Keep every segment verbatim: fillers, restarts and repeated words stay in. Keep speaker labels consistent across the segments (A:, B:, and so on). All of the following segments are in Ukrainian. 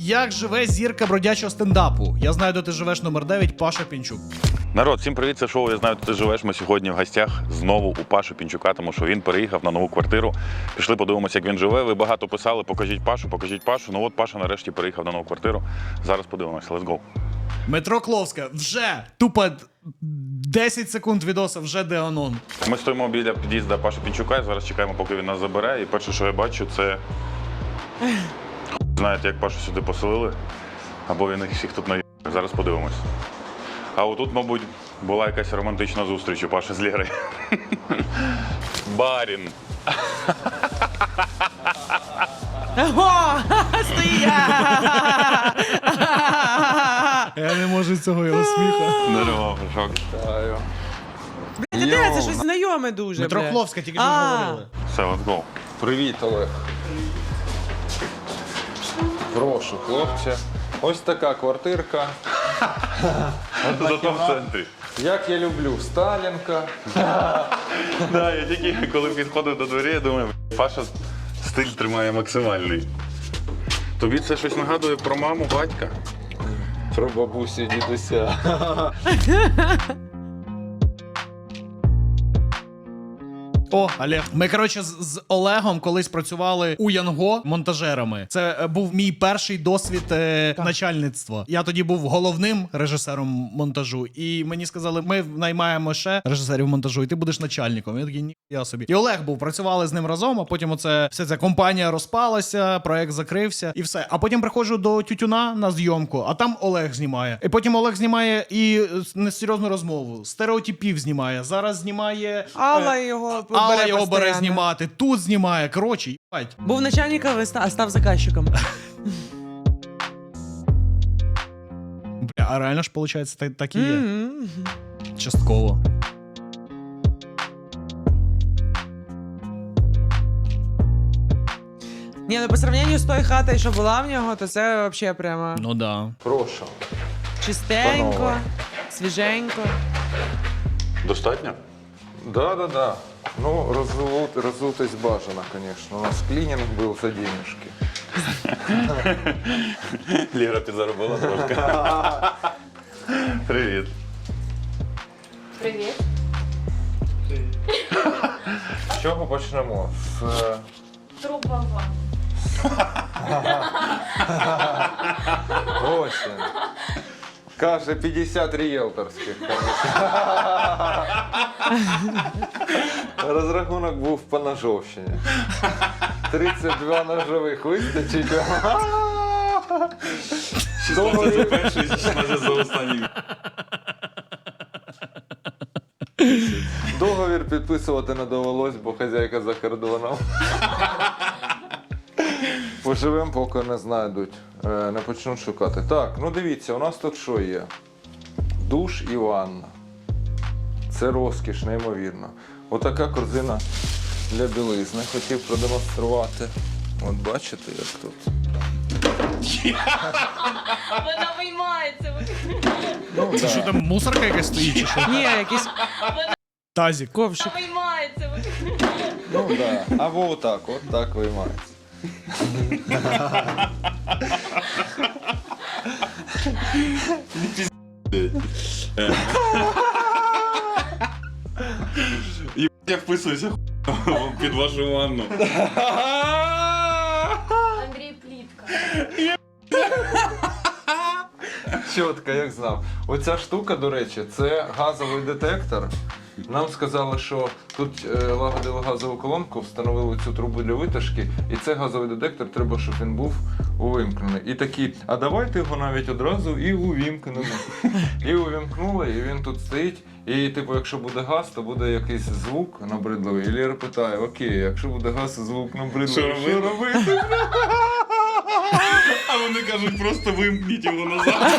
A: Як живе зірка бродячого стендапу? Я знаю, де ти живеш, номер дев'ять, Паша Пінчук.
B: Народ, всім привіт, це шоу «Я знаю, де ти живеш». Ми сьогодні в гостях знову у Паші Пінчука, тому що він переїхав на нову квартиру. Пішли подивимося, як він живе. Ви багато писали, покажіть Пашу, покажіть Пашу. Ну от Паша нарешті переїхав на нову квартиру. Зараз подивимося, let's go.
A: Метро Кловська, вже тупо десять секунд відоса, вже Деанон.
B: Ми стоїмо біля під'їзду Паші Пінчука і зараз чекаємо, поки він нас забере. І перше, що я бачу, це... Знаєте, як Пашу сюди поселили? Або він їх всіх тут наїв. Зараз подивимось. А отут, мабуть, була якась романтична зустріч у Паші з Лєрою. Барін.
A: Ого! Стоїть! Я не можу цього його сміха.
B: Здорово, шок.
C: Блядь, де це щось знайоме дуже,
A: Метро
C: блядь.
A: Кловська, тільки що
C: А.
A: говорили.
B: Все, let's go.
D: Привіт, Олег. Прошу, хлопче. Ось така квартирка.
B: Зато в центрі.
D: Як я люблю, Сталінка.
B: Да, я тільки коли підходив до двері, я думаю, Паша стиль тримає максимальний. Тобі це щось нагадує про маму, батька?
D: Про бабусю, дідуся.
A: О, Олег. Ми, коротше, з, з Олегом колись працювали у Янго монтажерами. Це е, був мій перший досвід е, начальництва. Я тоді був головним режисером монтажу, і мені сказали, ми наймаємо ще режисерів монтажу, і ти будеш начальником. Я такий, ні, я собі. І Олег був, працювали з ним разом, а потім оце, вся ця компанія розпалася, проект закрився, і все. А потім приходжу до Тютюна на зйомку, а там Олег знімає. І потім Олег знімає і е, несерйозну розмову, стереотипів знімає, зараз знімає...
C: Алла
A: е,
C: його
A: Алла
C: бере
A: його бере
C: постійно.
A: знімати, тут знімає, коротше, їбать.
C: Був начальником, а став заказчиком.
A: Бля, а реально ж, виходить, так, так і є.
C: Мгм.
A: Частково.
C: Ні, ну по сравненню з тою хатою, що була в нього, то це взагалі прямо
A: Ну да.
D: Прошу.
C: чистенько,
D: Панове.
C: свіженько.
B: Достатньо?
D: Да, да, да. Ну, роззут, роззутись бажано, звісно. У нас клінінг був за денежки.
B: Лєра підзаробила трошки. Привіт.
E: Привіт.
D: З чого почнемо? З... е,
E: Труба вам.
D: Ось він. Каже, п'ятдесят ріелторських. Розрахунок був по ножовщині. тридцять два ножових вистачить.
B: шістнадцять за перший, шістнадцять за останній.
D: Договір підписувати не довелось, бо хазяйка за кордоном. Поживемо, поки не знайдуть, е, не почнуть шукати. Так, ну дивіться, у нас тут що є? Душ і ванна. Це розкіш, неймовірно. Отака корзина для білизни. Хотів продемонструвати. От бачите, як тут.
E: Вона виймається.
D: Ну,
A: Це що
D: да.
A: там, мусорка якась стоїть чи що?
C: Ні, якийсь
A: Тазік.
C: ковшик.
E: Вона виймається.
D: Ну да. Або отак, от так виймається.
B: Я вписуюся під вашу ванну.
E: Андрій Плітка.
D: Чітко, як знав. Оця штука, до речі, це газовий детектор. Нам сказали, що тут е, лагодили газову колонку, встановили цю трубу для витяжки, і це газовий детектор, треба, щоб він був увімкнений. І такі, а давайте його навіть одразу і увімкнемо. І увімкнули, і він тут стоїть. І типу, якщо буде газ, то буде якийсь звук набридливий. І Лєра питає, окей, якщо буде газ і звук набридливий,
B: Що
D: що робити?
B: А вони кажуть, просто вимкніть його назад.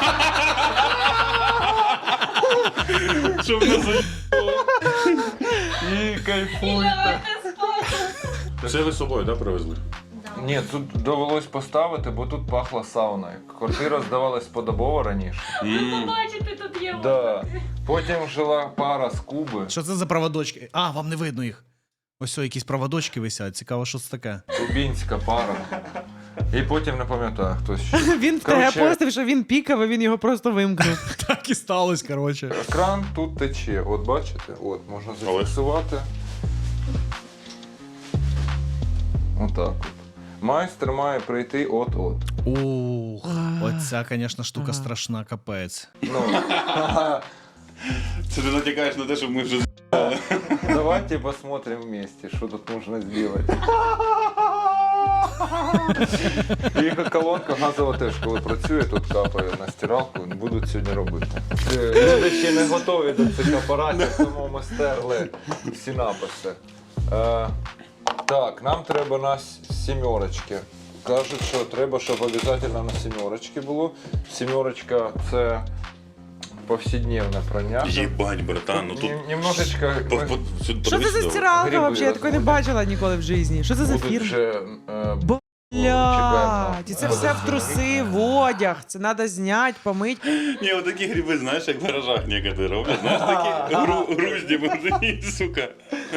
B: Щоб не заїбало.
D: І кайфуйте.
E: Лягайте спати.
B: Це ви з собою, так, привезли?
D: Ні, тут довелось поставити, бо тут пахло сауною. Квартира здавалась подобово раніше.
E: Побачите, тут є
D: Да.
E: вода.
D: Потім жила пара з Куби.
A: Що це за проводочки? А, вам не видно їх. Ось о, якісь проводочки висять. Цікаво, що це таке.
D: Кубінська пара. І потім не пам'ятаю, хтось ще.
C: Він в
D: Короче,
C: ТГ постив, що він пікав, а він його просто вимкнув.
A: Так і сталося, коротше.
D: Кран тут тече, от бачите, от, можна зафіксувати. Отак от. Майстер має прийти от-от.
A: Ух,
C: А.
A: оця, звісно, штука
C: Ага.
A: страшна, капець.
D: Ну,
B: Це ти натякаєш на те, що ми вже
D: давайте посмотрим вместе, что тут нужно сделать. І колонка газова теж, коли працює, тут капає на стиралку, будуть сьогодні робити. Е, Люди ще не готові до цих апаратів, тому ми стерли всі написи. Е, так, нам треба на с- сімерочки. Кажуть, що треба, щоб обов'язково на сімерочки було. Сімерочка – це повсякденне прання.
B: Їбать, братан, ну тут...
D: Нем- Немножечко
B: По-
D: ми
B: по- сюди
C: Що це
B: подивись
C: за
B: сюди.
C: стиралка
D: Гриби
C: взагалі? Я такої не
D: розводять.
C: бачила ніколи в житті. Що це за
D: будуть
C: фірма?
D: вже... Е,
C: Бля,
D: чекаємо.
C: і це все в труси, в одяг. Це треба зняти, помити.
B: Ні, отакі гриби, знаєш, як в гаражах некоторі роблять. Знаєш, такі гру- грузді мужики, сука.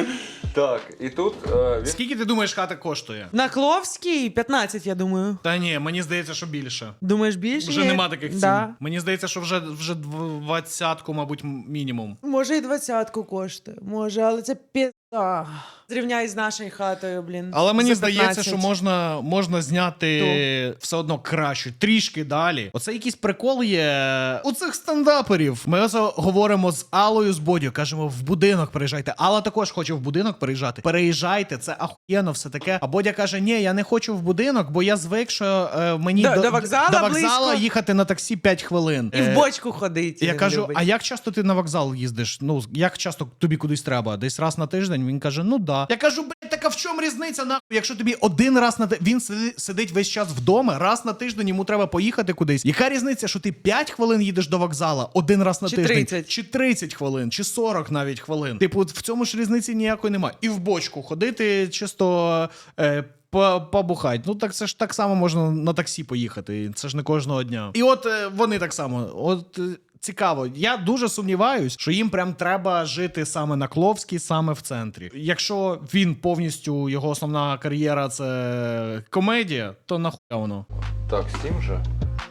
D: Так, і тут е, він
A: Скільки ти думаєш, хата коштує?
C: На Кловській п'ятнадцять, я думаю.
A: Та ні, мені здається, що більше.
C: Думаєш, більше?
A: Вже
C: є?
A: нема таких цін.
C: Да.
A: Мені здається, що вже, вже двадцятку, мабуть, м- мінімум.
C: Може і двадцятку коштує. Може, але це пізда. Зрівняй з нашою хатою, блін.
A: Але мені
C: За
A: здається,
C: п'ятнадцять.
A: що можна, можна зняти все одно краще, трішки далі. Оце якийсь прикол є у цих стендаперів. Ми ось говоримо з Алою з Бодю, кажемо, в будинок переїжджайте. Алла також хоче в будинок переїжджати. Переїжджайте, це ахуєнно все таке. А Бодя каже, ні, я не хочу в будинок, бо я звик, що е, мені
C: До- до вокзала
A: до вокзала
C: близько.
A: їхати на таксі п'ять хвилин.
C: І
A: Е,
C: в бочку ходить.
A: Я
C: він
A: кажу,
C: любить.
A: а як часто ти на вокзал їздиш? Ну, як часто тобі кудись треба? Десь раз на тиждень? Він каже, ну да. Я кажу, блядь, так а в чому різниця, нахуй? Якщо тобі один раз на ти- він сиди- сидить весь час вдома, раз на тиждень йому треба поїхати кудись. Яка різниця, що ти п'ять хвилин їдеш до вокзала, один раз на
C: Чи
A: тиждень?
C: тридцять?
A: Чи тридцять хвилин, чи сорок навіть хвилин. Типу, в цьому ж різниці ніякої немає. І в бочку ходити чисто. Е, по- Побухать. Ну так це ж так само можна на таксі поїхати. Це ж не кожного дня. І от е, вони так само. От е, цікаво. Я дуже сумніваюсь, що їм прям треба жити саме на Кловській, саме в центрі. Якщо він повністю його основна кар'єра це комедія, то нахуя воно.
D: так, сім же.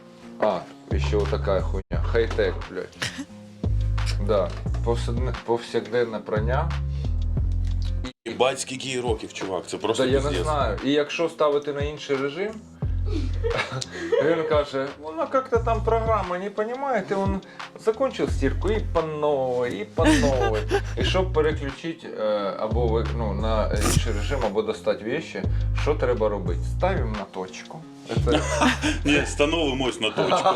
D: А, і ще отака хуйня. Хай-тек, блядь. Да, повсякденне, повсякденне прання.
B: Їбать, скільки їй років, чувак, це просто
D: Та я не
B: пиздец.
D: знаю. І якщо ставити на інший режим, він каже, вона як-то там програма, не розумієте, він закончив стірку і по новій, і по новій. І щоб переключити е, або ви- ну, на інший режим, або достати вещи, що треба робити? Ставимо на точку. Це...
B: Ні, становимось на точку.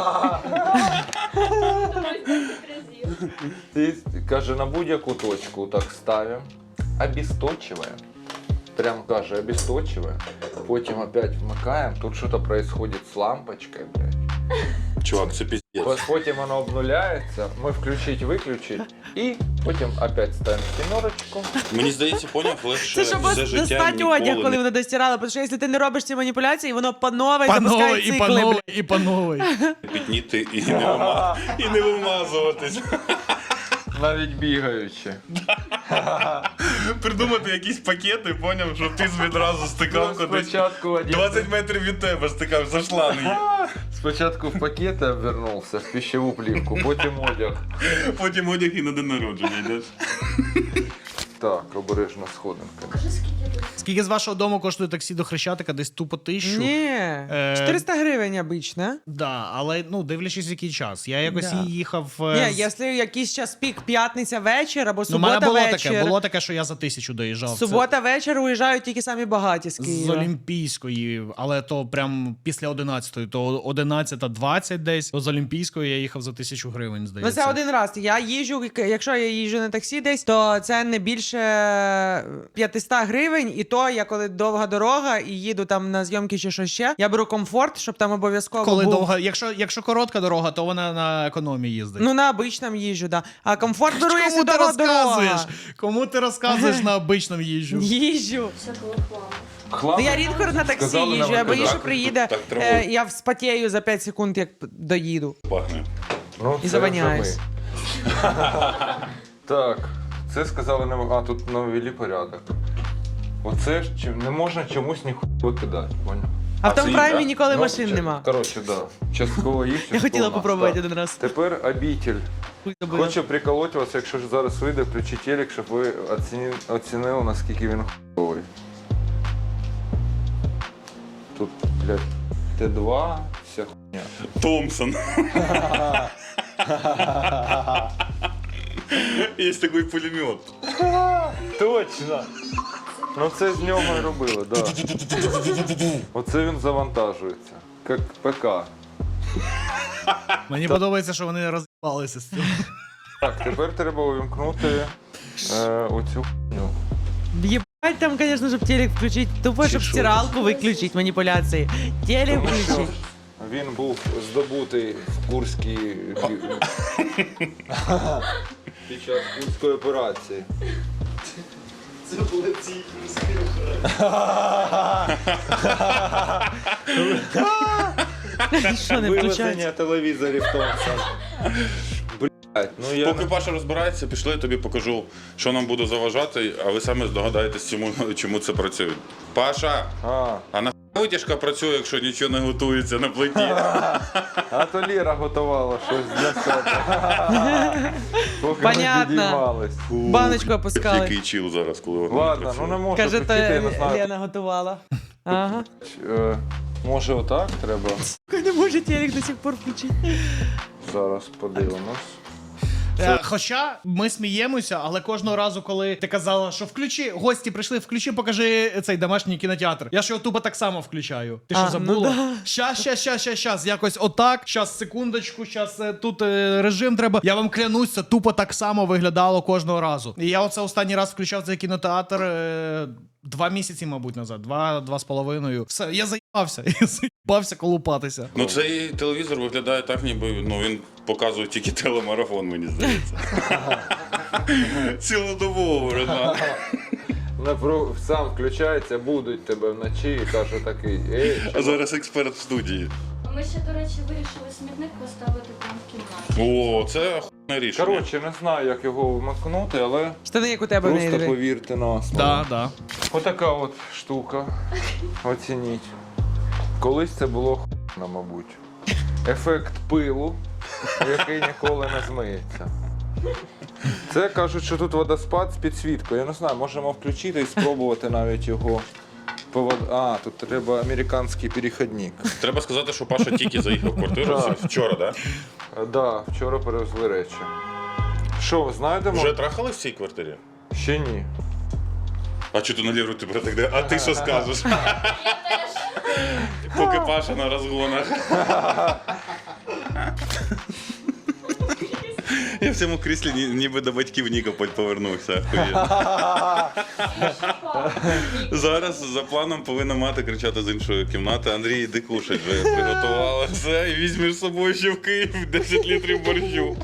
D: І каже, на будь-яку точку так ставимо, обесточиваем. Прям каже, обесточиваем. Потім опять вмикаємо, тут щось происходит з лампочкою, блядь.
B: Чувак, це пиздец.
D: Ось потім воно обнуляється, ми включить, виключить, і потім опять ставимо сімерочку.
B: Мені здається, поняв, легше
C: Це щоб
B: все життя
C: достати одяг,
B: ніколи
C: коли
B: не...
C: воно достирало, тому що якщо ти не робиш ці маніпуляції, воно по новій
A: По
C: запускає
A: новій, і
C: цикли.
A: по новій,
C: блядь.
A: і по новій.
B: підніти і не, вима... і не вимазуватись.
D: Навіть бігаючи.
B: Придумати якісь пакети, поняв, щоб ти відразу стикав
D: Ну,
B: кудись.
D: спочатку один-
B: двадцять метрів від тебе стикав за шланги.
D: Спочатку в пакети обвернувся, в пищеву плівку, потім одяг.
B: Потім одяг і на день народження йдеш.
D: Так, обережно сходинка.
A: Скільки з вашого дому коштує таксі до Хрещатика? Десь тупо тисячу?
C: Ні,
A: Е,
C: чотириста гривень обично.
A: Да, але ну дивлячись, в який час. Я якось
C: Да.
A: їхав. е,
C: Ні,
A: з-
C: якщо якийсь час пік, п'ятниця вечір або
A: Ну, в мене
C: субота
A: було
C: вечір.
A: таке, було таке, що я за тисячу доїжджав. Це
C: Субота вечір уїжджають тільки самі багаті з
A: з
C: Києва.
A: Олімпійської, але то прям після одинадцятої, то одинадцята двадцять десь. То з Олімпійської я їхав за тисячу гривень,
C: Ну
A: здається.
C: це один раз. Я їжджу, якщо я їжджу на таксі десь, то це не більше п'ятсот гривень. І то я коли довга дорога і їду там на зйомки чи що ще, я беру комфорт, щоб там обов'язково
A: Коли
C: був...
A: довга, якщо, якщо коротка дорога, то вона на економії їздить.
C: Ну на обичному їжджу, да. А комфорт беру, якщо
A: Кому ти
C: дорога.
A: розказуєш? Кому ти розказуєш на обичному їжджу?
C: Їжджу.
E: Всякого хламу.
D: Хлам.
C: Ну я рідко на таксі
D: Сказали нам
C: їжджу, я боюсь, що
D: так,
C: приїде,
B: так треба.
C: е, я вспотію за п'ять секунд, як доїду.
B: Пахне.
D: Ну,
C: І
D: це
C: заваняюсь.
D: вже ми. Так, це сказали не а тут навели порядок. Оце ж чи- не можна чомусь ніхуя викидати, поняв?
C: А в тому
B: це
C: праймі
B: да?
C: ніколи
D: Ну,
C: машин
D: чи-
C: нема.
D: Коротше, да. Частково їх, частково
C: Я хотіла
D: нас,
C: попробувати
D: так.
C: один раз.
D: Тепер обітель.
C: Хуй забила.
D: Хочу приколоти вас, якщо ж зараз вийде, включи телек, щоб ви оціні- оцінили, наскільки він хуйовий. Тут, блядь, Т два, вся хуйня.
B: Томпсон. Є такий пулемет.
D: Точно! Ну це з нього і робили, так. Да. Оце він завантажується. Як ПК.
A: Мені подобається, що вони роз'їбалися з цим.
D: Так, тепер треба увімкнути е, оцю хуйню.
C: Ебать там, конечно, щоб телек включить. Тупо, щоб
B: що?
C: стиралку виключить, маніпуляції. Телек
D: Тому що
C: включить.
D: він був здобутий в Курській під час Курської операції.
F: Це були ці
C: Що не включається?
D: Вивезення телевізорів Томпсон. Блять, ну я
B: Поки Паша розбирається, пішли, я тобі покажу, що нам буде заважати, а ви самі здогадаєтесь, чому, чому це працює. Паша,
D: А,
B: а на витяжка працює, якщо нічого не готується на плиті?
D: а то Ліра готувала щось для себе. Поки ми
C: Понятно.
D: підіймались.
C: Баночку опускали.
B: Який чіл зараз, коли вона
D: Ладно,
B: працює.
D: ну не можу
C: Каже, то
D: включити, я не знаю.
C: Лена готувала. Ага.
D: Е, Може отак треба?
C: Не може телек до сих пор включити.
D: Зараз подивимось.
A: Е, Хоча ми сміємося, але кожного разу, коли ти казала, що включи, гості прийшли, включи, покажи цей домашній кінотеатр. Я ж його тупо так само включаю. Ти що
C: А,
A: забула?
C: ну да.
A: Щас, щас, щас, щас, щас, якось отак. Щас, секундочку, щас е, тут е, режим треба. Я вам клянусь, це тупо так само виглядало кожного разу. І я оце останній раз включав цей кінотеатр е, два місяці, мабуть, назад. Два, два з половиною. Все, я заїбався. Я заїбався колупатися.
B: Ну цей телевізор виглядає так, ніби ну, він показує тільки телемарафон, мені здається. Цілодобово, братан.
D: Напру- Сам включається, будуть тебе вночі і каже такий, ей,
B: А зараз експерт в студії.
E: Ми ще, до речі, вирішили смітник поставити прямо в кімнаті.
B: О, це охуєнне рішення.
D: коротше, не знаю, як його вмикнути, але
C: Штани, як у тебе в неї.
D: просто
C: диви.
D: повірте на слово.
A: Да, да.
D: Отака от штука. Оцініть. Колись це було хуйно, мабуть. Ефект пилу, який ніколи не змиється. Це кажуть, що тут водоспад з підсвіткою. Я не знаю, можемо включити і спробувати навіть його. повод- А, тут треба американський перехідник.
B: Треба сказати, що Паша тільки заїхав в квартиру
D: Так.
B: це вчора, так?
D: Так, да, вчора перевезли речі. Що, знайдемо?
B: Вже трахали в цій квартирі?
D: Ще ні.
B: А чого ти на Ліру тебе так де? А ти що скажеш? Поки Паша на розгонах. Я в цьому кріслі ні- ніби до батьків Нікополь повернувся. Охуєнно. Зараз за планом повинна мати кричати з іншої кімнати: Андрій, іди кушать, вже приготувала все і візьмеш з собою ще в Київ десять літрів борщу.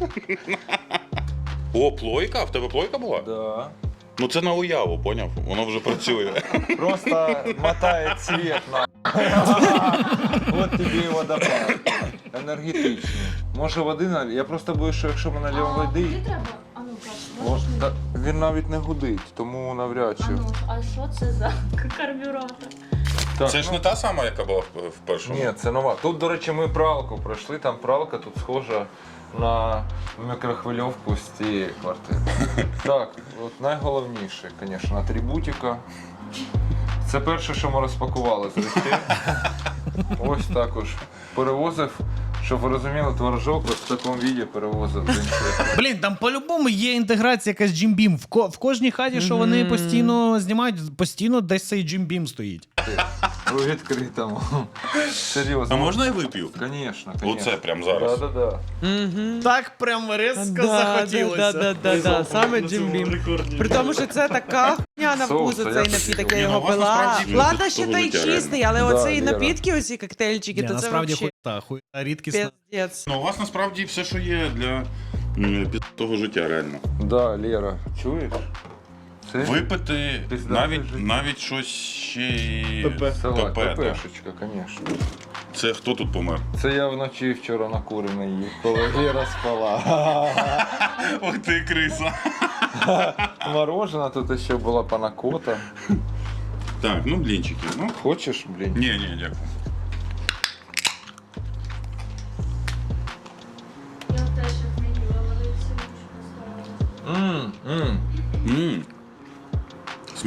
B: О, плойка? В тебе плойка була?
D: Да.
B: Ну це на уяву, поняв? Воно вже працює.
D: Просто мотає цвет на. От тобі і водопад. Енергетичний. Може води наль... Я просто боюсь, що якщо ми нальємо
E: А
D: води,
E: куди треба? А ну, Паш,
D: от,
E: можеш мені?
D: та, він навіть не гудить, тому навряд
E: А
D: чи.
E: ну, а що це за карбюратор?
D: Так,
B: Це ж
D: ну,
B: не та сама, яка була в в першому.
D: Ні, це нова. Тут, до речі, ми пралку пройшли, там пралка тут схожа на мікрохвильовку з цієї квартири. Так, от найголовніше, звісно, атрибутика. Це перше, що ми розпакували з речей. Ось також перевозив, щоб ви розуміли, творожок ось в такому віді перевозив з іншої.
A: Блін, там по-любому є інтеграція якась Jim Beam. В, ко- в кожній хаті, що вони постійно знімають, постійно десь цей Jim Beam стоїть.
D: У відкритому. Серйозно.
B: А можна я вип'ю?
D: Звісно, звісно.
B: Оце прям зараз.
D: Да, да, да.
C: Угу.
A: Так прям резко
C: Да,
A: захотілося.
C: да, да, да, да. Саме Jim Beam. При тому, що це така хуйня на
D: Соус,
C: вкус,
D: а
C: цей
D: як
C: напіток,
B: Ні,
C: я
B: ну,
C: його
B: у вас
C: пила.
B: насправді
C: Ладно,
B: ну,
C: ще
B: того
C: той
B: життя,
C: чистий, але
D: Да,
C: оцей
D: Лера.
C: напітки, оці коктейльчики,
A: Ні,
C: то це
A: насправді
C: взагалі
A: хуйта, хуйта рідкісна.
C: піздець.
B: Ну, у вас насправді все, що є для м, того життя, реально.
D: Да, Лера, чуєш? Це
B: Випити
D: Пізда
B: навіть,
D: життя.
B: навіть щось ще й
D: салат,
B: ПП, да.
D: ППшечка, звісно.
B: Це хто тут помер?
D: Це я вночі вчора накурений їв, коли Лера спала.
B: Ох ти, криса.
D: Морожена, тут ще була панакота.
B: Так, ну блінчики. Ну,
D: Хочеш, блін?
B: ні, ні, дякую.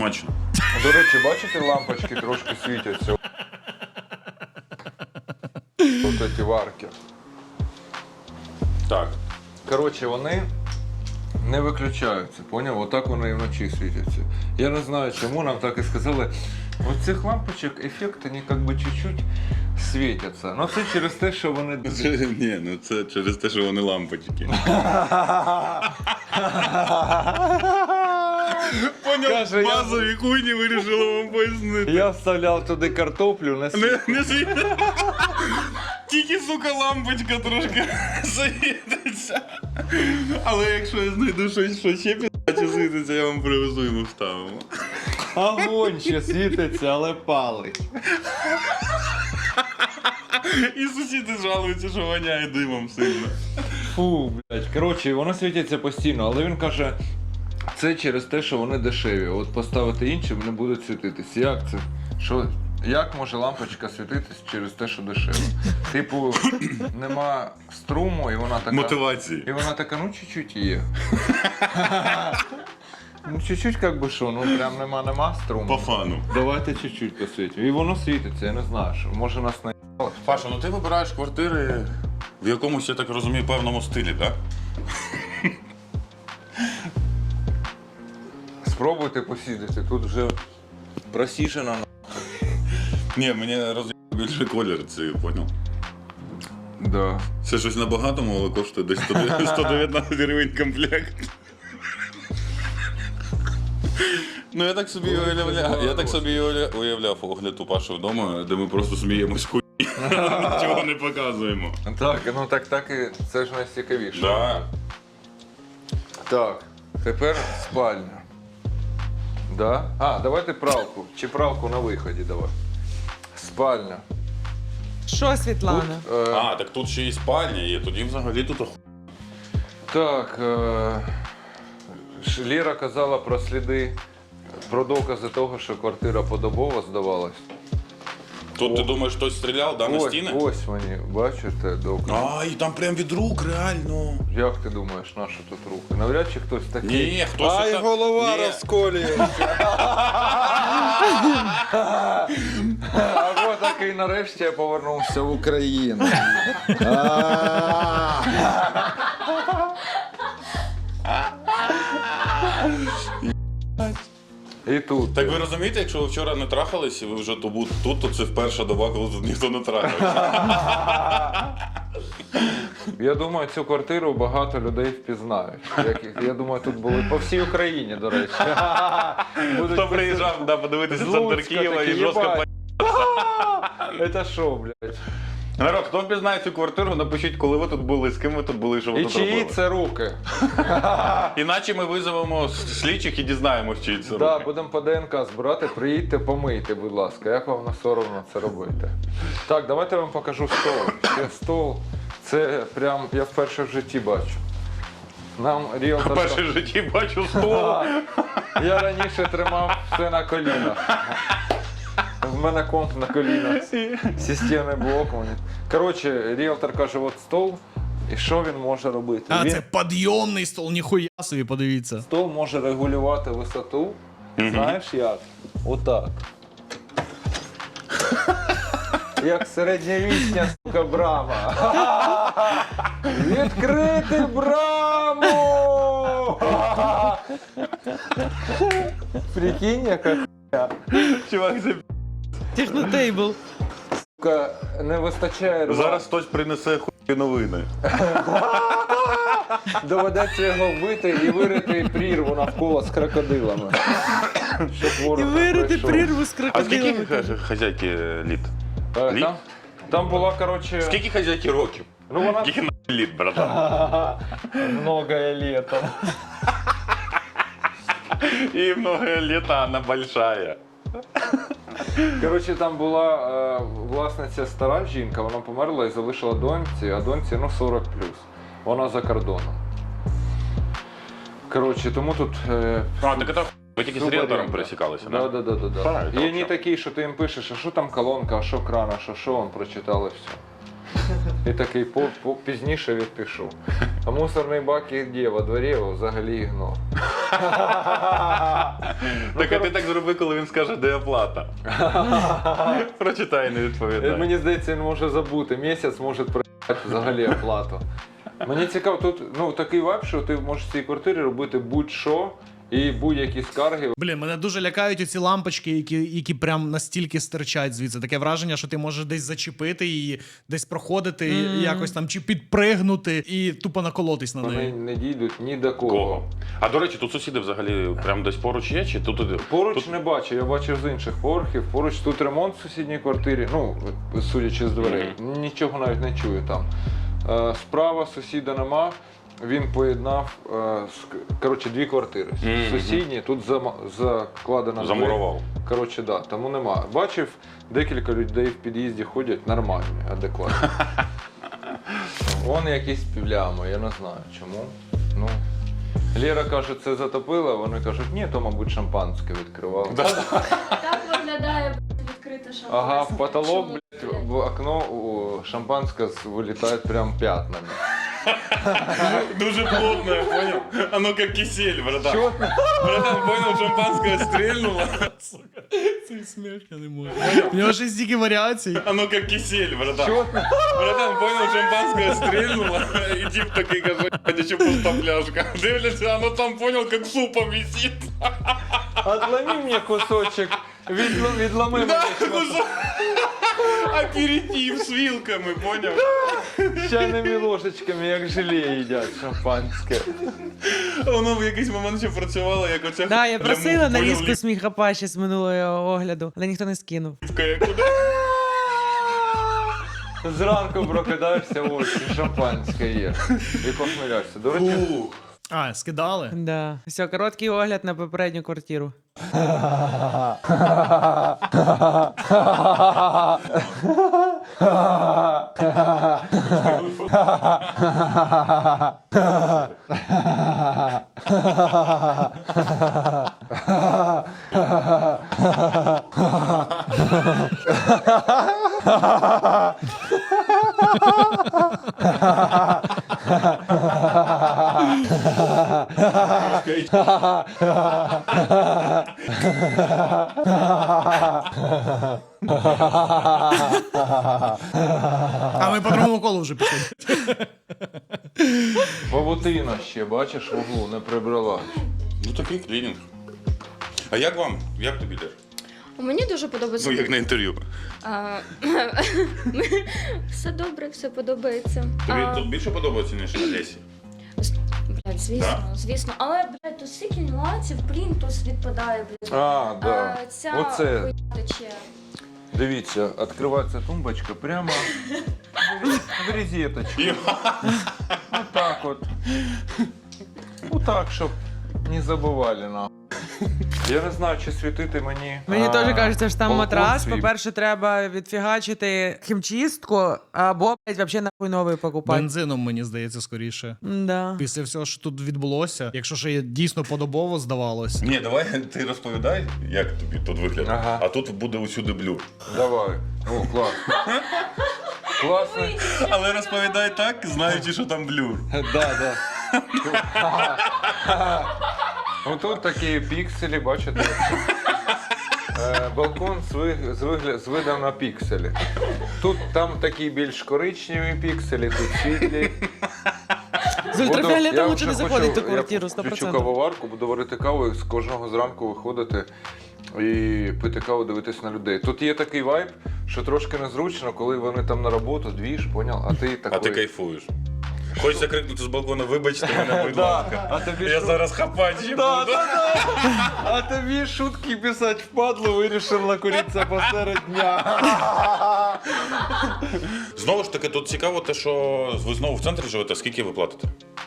B: смачно.
D: До речі, бачите, лампочки трошки світяться. Ось ці варки.
B: Так.
D: Коротше, вони не виключаються, поняв? Отак вони і вночі світяться. Я не знаю, чому нам так і сказали. От цих лампочок ефект, вони як би чуть-чуть світяться. Ну це через те, що вони...
B: Ні, ну це через те, що вони лампочки. Поняв,
D: Каже, я-
B: базові хуйні вирішили вам пояснити.
D: Я вставляв туди картоплю, не світ.
B: Не, не світ. Тільки, сука, лампочка трошки світиться. Але якщо я знайду щось, що ще підаче світиться, я вам привезу і ми вставимо.
D: Огонь ще світиться, але палить.
B: І сусіди жалуються, що воняє димом сильно.
D: Фу, блядь. Коротше, воно світиться постійно, але він каже, це через те, що вони дешеві. От поставити інші, вони будуть світитись. Як це? Що? Як може лампочка світитись через те, що дешево? Типу, нема струму, і вона така.
B: Мотивації.
D: І вона така, ну чуть-чуть є. Ну чуть-чуть, як би що, ну прям нема-нема струму.
B: По фану.
D: Давайте чуть-чуть посвітимо. І воно світиться, я не знаю, що може нас не.
B: Паша, ну ти вибираєш квартири в якомусь, я так розумію, певному стилі, так?
D: Спробуйте посідати, тут вже просіжено.
B: Ні, мені роз'єбав більше колір, це поняв.
D: Да.
B: Це щось на багатому, але коштує десь сто дев'ятнадцять гривень комплект. Ну я так собі уявляв, я так собі уявля- уявляв огляд у Паші вдома, де ми просто сміємось хуй, нічого не показуємо.
D: Так, ну так, так і це ж найцікавіше.
B: Да.
D: Так, тепер спальня. Да? А, давайте пралку. Чи пралку на виході давай. Спальня.
C: Що, Світлана?
D: Тут, е,
B: А, так тут ще і спальня є, тоді взагалі тут оху...
D: Так, е, Ш- Ліра казала про сліди, про докази того, що квартира подобово здавалась.
B: Тут ти думаєш, хтось стріляв, да, на
D: Ось,
B: стіни?
D: ось вони, бачите, докази.
B: А, і там прям від рук, реально.
D: Як ти думаєш, на що тут руки? Навряд чи хтось такий.
B: Ні, хтось
D: Ай,
B: отак-
D: голова
B: Ні.
D: розколюється. Або такий нарешті я повернувся в Україну. І тут.
B: Так ви розумієте, якщо ви вчора не трахались і ви вже тут, тут, то це вперша доба, коли тут ніхто не трахався.
D: Я думаю, цю квартиру багато людей впізнають. Як- Я думаю, тут були по всій Україні, до речі. Будуть
B: Хто приїжджав да, подивитися
D: з
B: центр
D: Луцька
B: Києва
D: такі,
B: і жорстко
D: «Єбать,
B: по...
D: Це що, блядь?
B: Народ, хто впізнає цю квартиру, напишіть, коли ви тут були, з ким ви тут були, що ви
D: І
B: тут
D: чиї
B: робили.
D: це руки?
B: Іначе ми визовемо слідчих і дізнаємось, чиї це
D: Так,
B: руки.
D: будемо по ДНК збирати, приїдьте, помийте, будь ласка. Як вам не соромно це робити? Так, давайте я вам покажу стол. Це стол, це прям я вперше в житті бачу. Нам ріелтор...
B: Перше в житті бачу стол.
D: Я раніше тримав все на колінах. В мене комп на колінах. Системний блок. Мені. Коротше, ріелтор каже, от стол, і що він може робити?
A: А,
D: Він
A: це підйомний стол, ніхуя собі, подивіться.
D: стол може регулювати висоту. Знаєш як? Отак. Як середньовічня, сука, брама. Відкрити браму! Прикинь, яка
B: Чувак, це
C: Технотейбл.
D: сука, не вистачає рва.
B: зараз хтось принесе хуй новини.
D: Доведеться його вбити і вирити прірву навколо з крокодилами. Щоб ворог
C: І
D: не
C: вирити
D: прийшов.
C: прірву з
B: А скільки
C: крокодилами.
B: ха- хазяйки літ?
D: Е,
B: Літ?
D: Там, там була, коротше...
B: Скільки хазяйки років?
D: Ну вона...
B: Скільки на літ, братан?
D: Многое летом.
B: І много літа, вона большая.
D: Коротше, там була е, власниця стара жінка, вона померла і залишила доньці, а доньці ну сорок плюс. Вона за кордоном. Коротше, тому тут. Е,
B: А, так це ви тільки з
D: супер
B: ріелтором
D: рівно.
B: пересікалися,
D: Да,
B: да?
D: да, да, да, да.
B: Правильно,
D: І вони
B: взагалі.
D: такі, що ти їм пишеш, а що там колонка, а що кран, а що що, він прочитали все. І такий по, по, пізніше відпишу. А мусорний бак і де во дворі його взагалі ігнор.
B: Так, а ти так зроби, коли він скаже, де оплата. Прочитай, не відповідай.
D: Мені здається, він може забути. Місяць може проїхати взагалі оплату. Мені цікаво, тут ну, такий вайб, що ти можеш в цій квартирі робити будь-що і будь-які скарги.
A: Блін, мене дуже лякають оці лампочки, які, які прям настільки стирчать звідси. Таке враження, що ти можеш десь зачепити її, десь проходити,
C: Mm.
A: якось там чи підпригнути і тупо наколотись на
D: Вони
A: неї.
D: не дійдуть ні до кого.
B: Кого? А до речі, тут сусіди взагалі прям десь поруч є, чи тут?
D: Поруч
B: тут...
D: не бачу, я бачив з інших поверхів. Поруч тут ремонт в сусідній квартирі, ну, судячи з дверей, нічого навіть не чую там. Е, Справа сусіда нема, він поєднав е, з- коротше, дві квартири.
B: Мгм.
D: Сусідні, тут зама- закладена двері.
B: Замурував.
D: Коротше, да, тому нема. Бачив, декілька людей в під'їзді ходять нормальні, адекватні. Вон якісь півлями, я не знаю чому. Ну, Лєра каже, це затопило, вони кажуть, ні, то, мабуть, шампанське відкривали.
E: Так виглядає блядь, відкрита шампанське.
D: Ага, в потолок,
E: Чому,
D: блядь, в окно у шампанське з- вилітає прям п'ятнами.
B: Дуже плотно, я понял? Оно как кисель, братан.
D: Чого?
B: Братан, понял, шампанское стрельнуло.
A: Цей сміх я не можу. У нього ще стільки варіацій.
B: Оно как кисель, братан.
D: Чого?
B: Братан, понял, шампанское стрельнуло. И тип такой, как еще пуста пляшка. Дивляться, оно там, понял, как супом висит.
D: Отломи мені кусочок, відл- відломи мені шматок.
B: Аперитив с вилками, понял?
D: Чайними ложечками, як желе їдять шампанське.
B: Воно в якийсь момент ще працювало, як оця...
C: Да, я
B: для
C: просила
B: мух,
C: нарізку
B: понял,
C: сміхапа ще з минулого огляду, але ніхто не скинув.
B: ліпка, як куди?
D: Зранку прокидаєшся, ось, і шампанське є. І похмеляєшся. До речі,
B: Ух.
A: А, скидали?
C: Да. Все, короткий огляд на попередню квартиру.
A: А ми по другому колу вже пішли.
D: павутина ще, бачиш, в углу не прибрала.
B: Ну такий клінінг. А як вам? Як тобі йде?
E: Мені дуже подобається.
B: Ну, як на інтерв'ю.
E: А, все добре, все подобається.
B: Тобі
E: А,
B: тут більше подобається, ніж на Лесі?
E: Блядь, звісно, звісно. Але, блядь, тут стільки нюансів, плінтус відпадає, блядь.
D: А, да.
E: А, ця
D: Оце.
E: хуйня тече.
D: Дивіться, відкривається тумбочка прямо в розеточку. Отак от. Отак, щоб не забували нам. Я не знаю, чи світити мені.
C: Мені
D: а,
C: теж кажеться, що там
D: балкон
C: матрас.
D: свій.
C: По-перше, треба відфігачити хімчистку, або, блядь, взагалі нахуй новий покупати.
A: Бензином, мені здається, скоріше.
C: Да.
A: Після всього, що тут відбулося, якщо ще дійсно подобово здавалось.
B: Ні, давай ти розповідай, як тобі тут виглядає.
D: Ага.
B: А тут буде усюди блюр.
D: Давай. О, клас. Класно.
B: Але розповідай так, знаючи, що там блюр.
D: Да, да. Отут такі пікселі, бачите? Е, Балкон з, ви, з, вигля, з видом на пікселі. Тут там такі більш коричневі пікселі, тут світлі.
C: З ультрафіолетом
D: Я
C: лучше
D: вже
C: не заходить в
D: хочу-
C: ту квартиру,
D: Я
C: сто
D: включу
C: процентів.
D: кавоварку, буду варити каву і з кожного зранку виходити і пити каву, дивитись на людей. Тут є такий вайб, що трошки незручно, коли вони там на роботу, двіж, поняв, а ти такий...
B: А ти кайфуєш. Хочеться крикнути з балкона, вибачте мене, будь
D: Да,
B: ласка.
D: а тобі
B: Я
D: що?
B: зараз хапати ще
D: Да,
B: буду.
D: да, да. А тобі шутки писати впадло, вирішив накуритися посеред дня.
B: Знову ж таки, тут цікаво те, що ви знову в центрі живете, скільки ви платите?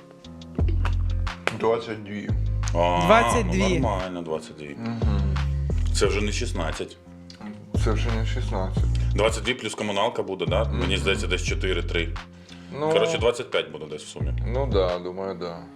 D: двадцять дві.
B: А,
C: двадцять дві.
B: Ну, нормально, двадцять дві. Це вже не шістнадцять.
D: Це вже не шістнадцять.
B: двадцять дві плюс комуналка буде, да? Мені здається, десь чотири-три.
D: Ну,
B: Коротше, двадцять п'ять буде десь в сумі.
D: ну да, думаю, да.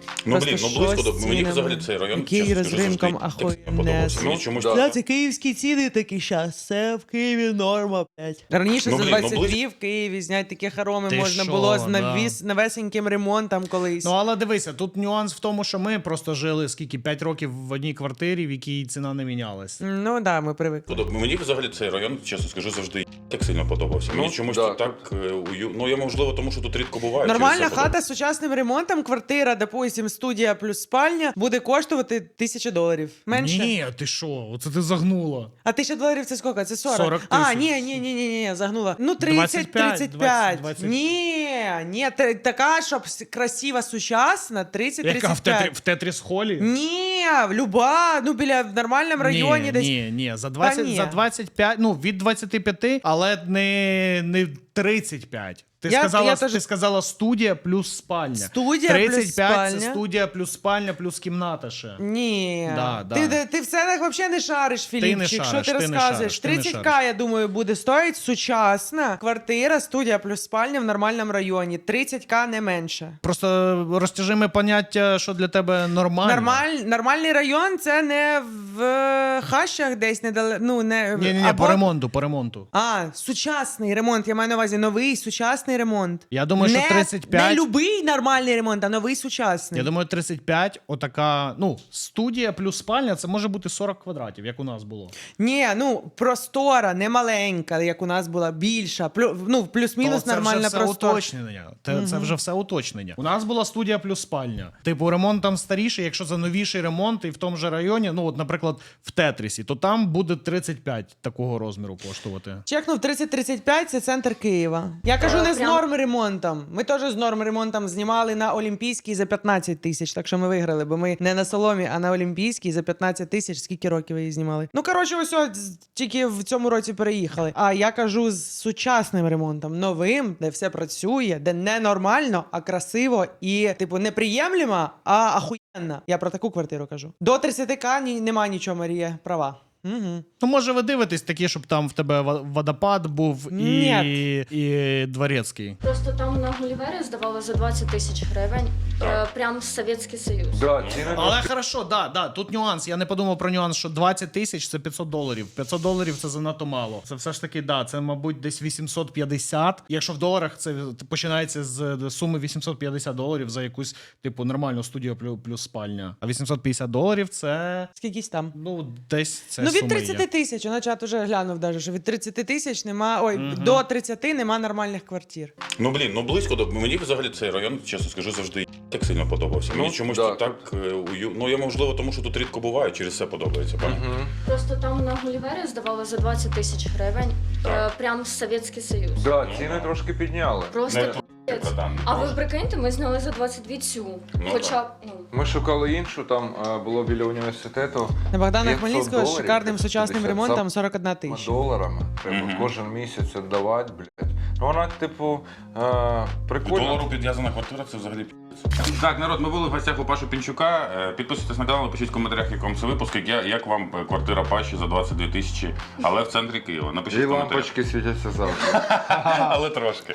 B: Ну
C: Просто
B: блін, ну близько
C: що
B: до
C: з
B: мені
C: цінами?
B: взагалі цей район.
C: Який
B: чесно
C: з
B: скажу,
C: ринком
B: завжди
C: ахуєнне.
B: так подобався. Мені
D: Ну,
B: чомусь
D: да.
B: так-
C: Бля, це київські ціни такі щас. Це в Києві норма, блядь. Раніше
B: Ну,
C: за
B: блін, ну,
C: двадцять
B: близько-
C: дві в Києві зняти такі хороми
A: Ти
C: можна
A: що,
C: було з
A: да.
C: навіс, навесеньким ремонтом колись.
A: Ну але дивися, тут нюанс в тому, що ми просто жили скільки п'ять років в одній квартирі, в якій ціна не мінялась.
C: Ну так, да, ми привикли.
B: Подоб- Мені взагалі цей район, чесно скажу, завжди так сильно подобався. Мені
D: Ну,
B: чомусь
D: да,
B: тут так е, ую... Ну я можливо, тому що тут рідко буває. через
C: Нормальна
B: це подобається.
C: хата з сучасним ремонтом, квартира, допустим, студія плюс спальня, буде коштувати тисячу доларів. Менше?
A: Ні, ти що? Оце ти загнула.
C: А тисяча доларів це скільки? Це сорок?
A: сорок
C: А,
A: тисяч.
C: ні, ні, ні, ні, ні, загнула. Ну, тридцять,
A: двадцять п'ять,
C: тридцять п'ять.
A: двадцять.
C: Ні, ні, та- така, щоб с- красива, сучасна, тридцять,
A: Яка в
C: тридцять
A: тетрі
C: п'ять.
A: в тетріс холі?
C: Ні, люба, ну біля в нормальному районі
A: ні,
C: десь.
A: ні, ні, за двадцять,
C: ні.
A: за двадцять п'ять, ну від двадцяти п'яти, але не, не тридцять п'ять. Ти
C: Я-
A: сказала,
C: я теж-
A: ти сказала студія плюс спальня.
C: Студія плюс
A: тридцять п'ять це
C: спальня.
A: студія плюс спальня плюс кімната ще.
C: Ні.
A: Да, да.
C: Ти, ти, ти в ценах взагалі не шариш, Філіпчик.
A: шариш,
C: Що ти,
A: ти не
C: розказуєш?
A: шариш, ти не
C: тридцять к,
A: шариш.
C: я думаю, буде стоїть сучасна квартира, студія плюс спальня в нормальному районі. тридцять к не менше.
A: Просто розтяжиме поняття, що для тебе нормально.
C: Нормаль, нормальний район це не в е, хащах десь недалеко. Ну, не,
A: Ні, ні, ні,
C: або-
A: по ремонту, по ремонту.
C: А, сучасний ремонт. Я маю на увазі новий сучасний ремонт.
A: Я думаю, що
C: не,
A: тридцять п'ять.
C: Не любий нормальний ремонт, а новий сучасний.
A: Я думаю, тридцять п'ять, отака, ну, студія плюс спальня, це може бути сорок квадратів, як у нас було.
C: Ні, ну простора, не маленька, як у нас була, більша. Плю, ну, плюс-мінус
A: То це
C: нормальна
A: вже все
C: простора.
A: уточнення. Це, це вже все уточнення. У нас була студія плюс спальня. Типу, ремонт там старіший, якщо за новіший ремонт і в тому же районі, ну, от, наприклад, в Тетрісі, то там буде тридцять п'ять такого розміру коштувати.
C: Чекнув тридцять тридцять п'ять, це центр Києва. Я кажу
E: Е,
C: не з
E: прям-
C: норм ремонтом. Ми теж з норм ремонтом знімали на Олімпійській за п'ятнадцять тисяч, так що ми виграли, бо ми не на Соломі, а на Олімпійській за п'ятнадцять тисяч. Скільки років ви її знімали? Ну, коротше, ось от, з- тільки в цьому році переїхали. А я кажу з сучасним ремонтом, новим, де все працює, де не нормально, а красиво і, типу, неприємлемо, а ахуєнно. Я про таку квартиру кажу. До тридцять к ні, нема нічого, Марія. Права. Угу.
A: Ну, може, ви дивитесь такі, щоб там в тебе ва- водопад був і,
C: Ні.
A: і дворецький.
E: Просто там на Гулівері здавали за двадцять тисяч гривень. Е, прям Совєтський Союз.
D: Да, ціни
A: Але хорошо, да, да, тут нюанс. Я не подумав про нюанс, що двадцять тисяч це п'ятсот доларів. п'ятсот доларів це занадто мало. Це все ж таки, да, це, мабуть, десь вісімсот п'ятдесят. Якщо в доларах це починається з суми вісімсот п'ятдесят доларів за якусь, типу, нормальну студію плюс, плюс спальня. А вісімсот п'ятдесят доларів це,
C: Скількись там?
A: ну, десь це
C: Ну, від
A: сума є.
C: тридцять тисяч, на чат уже глянув даже, що від тридцять тисяч нема, ой, до тридцяти нема нормальних квартир.
B: Ну блін, ну близько до мені взагалі цей район, чесно скажу, завжди так сильно подобався. Мені
D: Ну,
B: чомусь
D: да,
B: тут так е, ую... Ну я можливо, тому що тут рідко буває, через це подобається. Пані.
D: Мгм.
E: Просто там на Гулівері здавали за двадцять тисяч гривень. Е, прям Совєтський Союз.
D: Да, ціни трошки підняли.
E: Просто
B: Не
E: пиздець.
B: братан,
E: А ви
B: просто.
E: прикиньте, ми зняли за двадцять дві цю.
B: Ну,
E: Хоча б, ну.
D: Ми шукали іншу, там е, було біля університету.
C: На Богдана
D: п'ятсот
C: Хмельницького з
D: доларів,
C: шикарним сучасним
D: п'ятдесят
C: ремонтом сорок одна
D: Ми
C: тисяча.
D: доларами. Треба
B: Мгм.
D: кожен місяць віддавати, блядь. Ну вона, типу, е, прикольна.
B: Долару підв'язана квартира, це взагалі пі***ць. Так, народ, ми були в гостях у Паші Пінчука. Е, Підписуйтесь на канал, пишіть в коментарях, як вам це випуск, як, я- як вам е, квартира Паші за двадцять дві тисячі, але в центрі Києва. Напишіть
D: І
B: в коментарях.
D: лампочки світяться завжди.
B: Але трошки.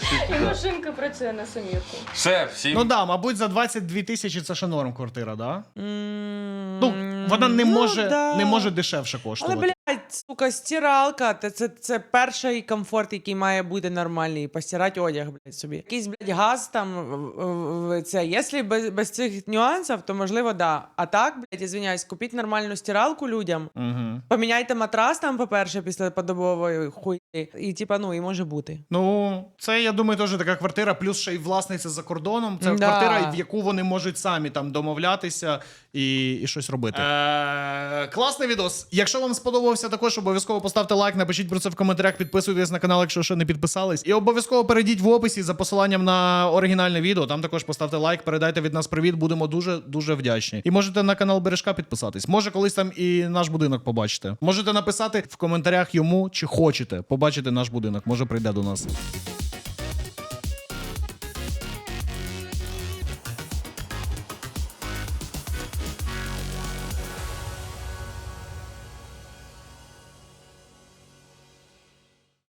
E: І машинка працює на сумірку.
B: Все, всім.
A: Ну да, мабуть, за двадцять дві тисячі це ще норм квартира, да?
C: М,
A: Ну, вона не
C: ну,
A: може,
C: да.
A: не може дешевше
C: Але,
A: коштувати.
C: блядь, сука, стиралка, це, це, це перший комфорт, який має бути нормальний. Постирати одяг, блядь, собі. Якийсь, блядь, газ там, в- в- в- це, якщо без, без цих нюансів, то можливо, да. А так, блядь, извиняюсь, купіть нормальну стиралку людям,
A: Угу.
C: поміняйте матрас там, по-перше, після подобової хуйні, і, типа, ну, і може бути.
A: Ну, це, я думаю, теж така квартира, плюс ще й власниця за кордоном. Це
C: Да.
A: квартира, в яку вони можуть самі там домовлятися і, і щось робити. Е, класний відос. Якщо вам сподобався також, обов'язково поставте лайк, напишіть про це в коментарях, підписуйтесь на канал, якщо ще не підписались. І обов'язково перейдіть в описі за посиланням на оригінальне відео. Там також поставте лайк, передайте від нас привіт, будемо дуже-дуже вдячні. І можете на канал Бережка підписатись. Може, колись там і наш будинок побачите. Можете написати в коментарях йому, чи хочете побачити наш будинок. Може, прийде до нас.